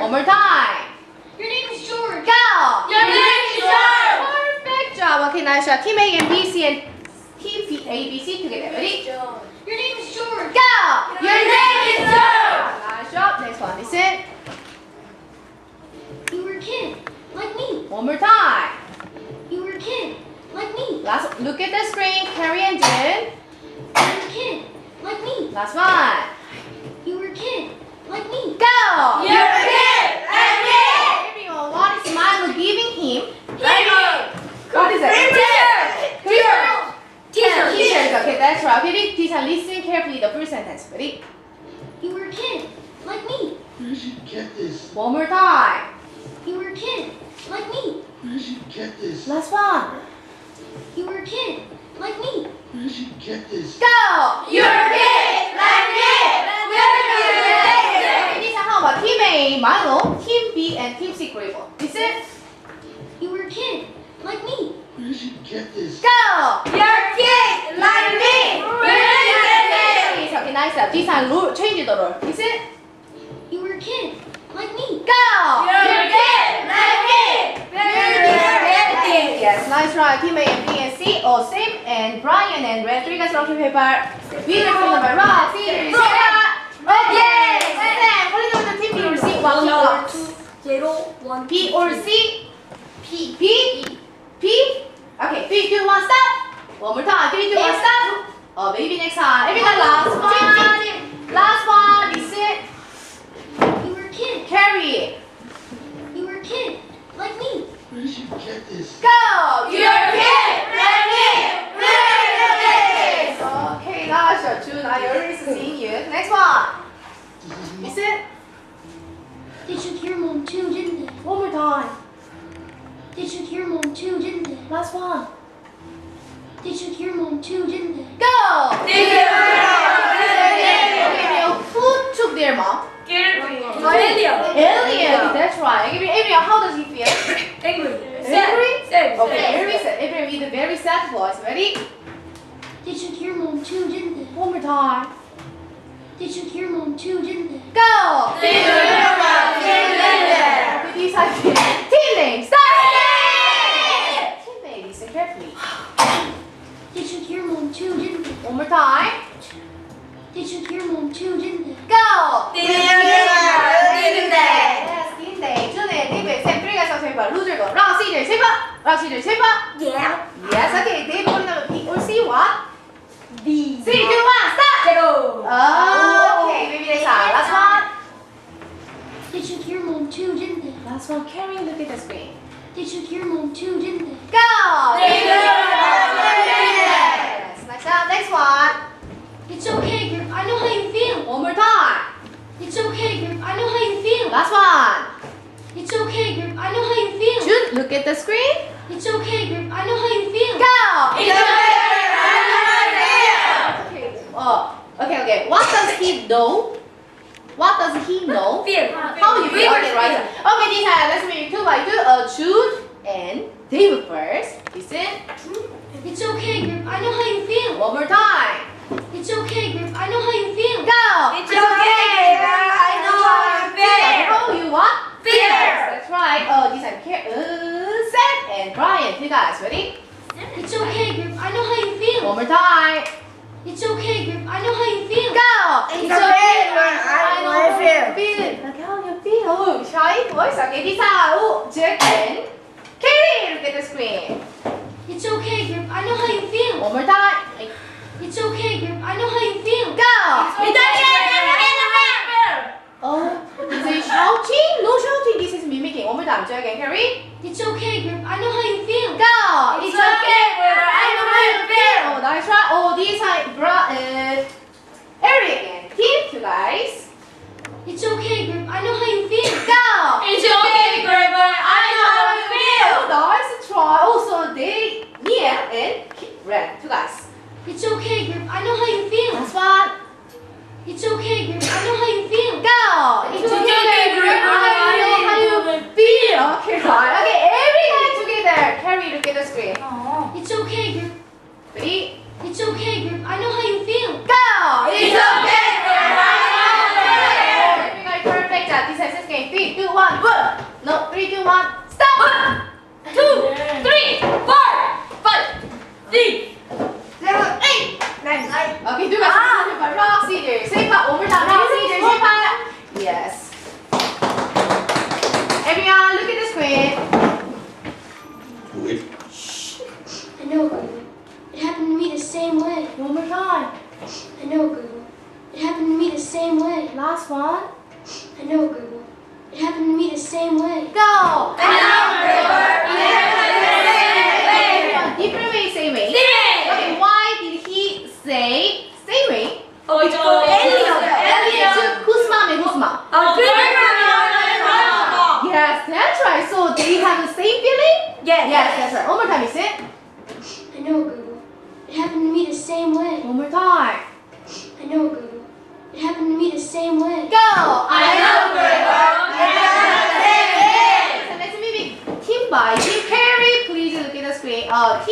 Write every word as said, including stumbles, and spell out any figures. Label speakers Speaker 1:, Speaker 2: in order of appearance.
Speaker 1: One more time.
Speaker 2: Your name is George.
Speaker 1: Go.
Speaker 2: Your name is George.
Speaker 1: Perfect job. Okay, nice job. Team A and B, C and Team B, A, B, C together. Ready?
Speaker 2: Your name is George.
Speaker 1: Go.
Speaker 2: Your name is George.
Speaker 1: Nice job. Next one. Listen.
Speaker 2: You were a kid, like me.
Speaker 1: One more time.
Speaker 2: You were a kid, like me.
Speaker 1: Last. Look at the screen. Carrie and Jen.
Speaker 2: You were a kid, like me.
Speaker 1: Last one.
Speaker 2: You were a kid, like me.
Speaker 1: Go.
Speaker 2: You're a kid, like me.
Speaker 1: Everyone, what is Milo giving him?
Speaker 2: Teacher.
Speaker 1: What is it?
Speaker 2: Teacher.
Speaker 1: Teacher.
Speaker 2: Teacher.
Speaker 1: Teacher. Okay, that's right. Okay, teacher, listen carefully. The first sentence. Ready?
Speaker 2: You were a kid, like me.
Speaker 3: Where did you get this?
Speaker 1: One more time.
Speaker 2: You were a kid, like me.
Speaker 3: Where did you get this?
Speaker 1: Last one.
Speaker 2: You were a kid, like me.
Speaker 3: Where did you get this?
Speaker 1: Go.
Speaker 2: You're a kid, like me.
Speaker 1: Okay, this is how about Team A, Milo, Team B, and Team C, Grable. Listen.
Speaker 2: You were a kid, like me.
Speaker 3: Where did you get this?
Speaker 1: Go.
Speaker 2: You're a kid, like me.
Speaker 1: Okay, nice job. This time, rule, change the rule. Listen.
Speaker 2: You were a kid, like me.
Speaker 1: Go.
Speaker 2: You're a kid, like me.
Speaker 1: Yes, nice try. Team A and B and C, all same. And Brian and Red, three guys rock paper. Beautiful number. Rock, scissors, paper. Okay. Sam, what is the team B or C? One, two, one.
Speaker 2: Zero, one,
Speaker 1: B or C? P. P? P? Okay, three, two, one, stop. One more time. Three, two, one, stop. Oh, maybe next time. Everyone, last one. Last one. Listen.
Speaker 2: You were a kid.
Speaker 1: Carry.
Speaker 2: You were a kid, like me.
Speaker 3: Where did you get this?
Speaker 1: Go.
Speaker 2: You're a kid, like me.
Speaker 1: Okay, gosh, June, I already seen you. Next one. Listen.
Speaker 2: They took your mom too, didn't they?
Speaker 1: One more time.
Speaker 2: They took your mom too, didn't they?
Speaker 1: Last one.
Speaker 2: They took your mom too, didn't they?
Speaker 1: Go.
Speaker 2: They took your mom.
Speaker 1: Ariel, who took their mom?
Speaker 2: Alien.
Speaker 1: Alien. That's right. Ariel, how does he feel?
Speaker 2: Angry.
Speaker 1: Angry?
Speaker 2: Sad.
Speaker 1: Okay, very sad. Ariel with a very sad voice. Ready?
Speaker 2: They took your mom too, didn't they?
Speaker 1: One more time.
Speaker 2: They took your mom too, didn't they?
Speaker 1: Go.
Speaker 2: They took your mom too, didn't they?
Speaker 1: Okay, these are team names. Start. Team name. Listen carefully.
Speaker 2: They took your mom too, didn't they?
Speaker 1: One more time.
Speaker 2: They took your mom too, didn't they?
Speaker 1: Go.
Speaker 2: They took your mom, didn't they?
Speaker 1: Yes, team name. Two name. David, Sam, three guys on paper. Loser go. Rock, scissors, paper. Rock, scissors, paper.
Speaker 2: Yeah.
Speaker 1: Yes, okay. David, what number P or C? What?
Speaker 2: B.
Speaker 1: Three, two, one, stop.
Speaker 2: Zero.
Speaker 1: Oh, okay. Maybe next time. Last one.
Speaker 2: They took your mom too, didn't they?
Speaker 1: Last one. Carrie, look at the screen.
Speaker 2: They took your mom too, didn't they?
Speaker 1: Go.
Speaker 2: They took your mom too, didn't they?
Speaker 1: Yes. Next up. Next one.
Speaker 2: It's okay, Grip. I know how you feel.
Speaker 1: One more time.
Speaker 2: It's okay, Grip. I know how you feel.
Speaker 1: Last one.
Speaker 2: It's okay, Grip. I know how you feel.
Speaker 1: Jude, look at the screen.
Speaker 2: It's okay, Grip. I know how you feel.
Speaker 1: Go.
Speaker 2: It's okay, Grip. I know how you
Speaker 1: Okay. Oh. Okay. Okay. What does he know? What does he know?
Speaker 2: feel.
Speaker 1: How you feel? Okay, right. Okay, this time let's make two by two. Uh, Jude and David first. Listen.
Speaker 2: It's okay, Grip. I know how you feel.
Speaker 1: One more time.
Speaker 2: It's okay, Grip. I know how you feel.
Speaker 1: Go.
Speaker 2: It's okay, Grip. I know how you feel.
Speaker 1: How you what?
Speaker 2: Fear.
Speaker 1: Yes, that's right. Oh, this time Care, uh, Sam and Brian. You guys ready?
Speaker 2: It's okay, Grip. I know how you feel.
Speaker 1: One more time.
Speaker 2: It's okay, Grip. I know how you feel.
Speaker 1: Go.
Speaker 2: It's okay, Grip.
Speaker 1: I know how you feel. Like how you feel. Oh, shy voice. Okay, this time. Oh, Jack and Katie. Look at the screen.
Speaker 2: It's okay, Grip. I know how you feel.
Speaker 1: One more time.
Speaker 2: It's okay, Grip. I know how you feel.
Speaker 1: Go.
Speaker 2: It's okay, Grip. I know how you feel.
Speaker 1: Oh, is it shouting? No shouting. This is mimicking. One more time. Jack and Carrie.
Speaker 2: It's okay, Grip. I know how you feel.
Speaker 1: Go.
Speaker 2: It's okay, Grip. I know how you feel.
Speaker 1: Oh, nice try. Oh, this time, bra, uh, Eric and Tim, you guys.
Speaker 2: It's okay, Grip. I know how you feel.
Speaker 1: Go.
Speaker 2: It's okay, Grip. I know how you feel.
Speaker 1: Oh, nice try. Also, they, Nia and Red, you guys.
Speaker 2: It's okay, Grip. I know how you feel.
Speaker 1: Last one.
Speaker 2: It's okay, Grip. I know how you feel.
Speaker 1: Go.
Speaker 2: It's okay, Grip.
Speaker 1: I know how you feel. Okay, right. Okay, every guy together. Carrie, look at the screen.
Speaker 2: It's okay, Grip.
Speaker 1: Ready?
Speaker 2: It's okay, Grip. I know how you feel.
Speaker 1: Go.
Speaker 2: It's okay, Grip. I know how you feel.
Speaker 1: Every guy perfect. This is this game. Three, two, one.
Speaker 4: happened to me the same way.
Speaker 1: Last one.
Speaker 4: I know, Gribble. It happened to me the same way.
Speaker 1: Go.
Speaker 2: I know, Gribble. It happened to me the same way.
Speaker 1: Different way, same way.
Speaker 2: Same.
Speaker 1: Okay, why did he say same way?
Speaker 2: 어, 이거 엘리언. 엘리언.
Speaker 1: Whose mom and whose mom?
Speaker 2: 어, 그러면
Speaker 1: Yes, that's right. So they have the same feeling?
Speaker 2: Yes.
Speaker 1: Yes, that's right. One more time, is it?
Speaker 4: I know, Gribble. It happened to me the same way.
Speaker 1: One more time.
Speaker 4: I know, Gribble. It happened to me the same way.
Speaker 1: Go.
Speaker 2: I know, Gribble. It happened the same way.
Speaker 1: So let's maybe team by team. Carrie, please look at the screen. Uh,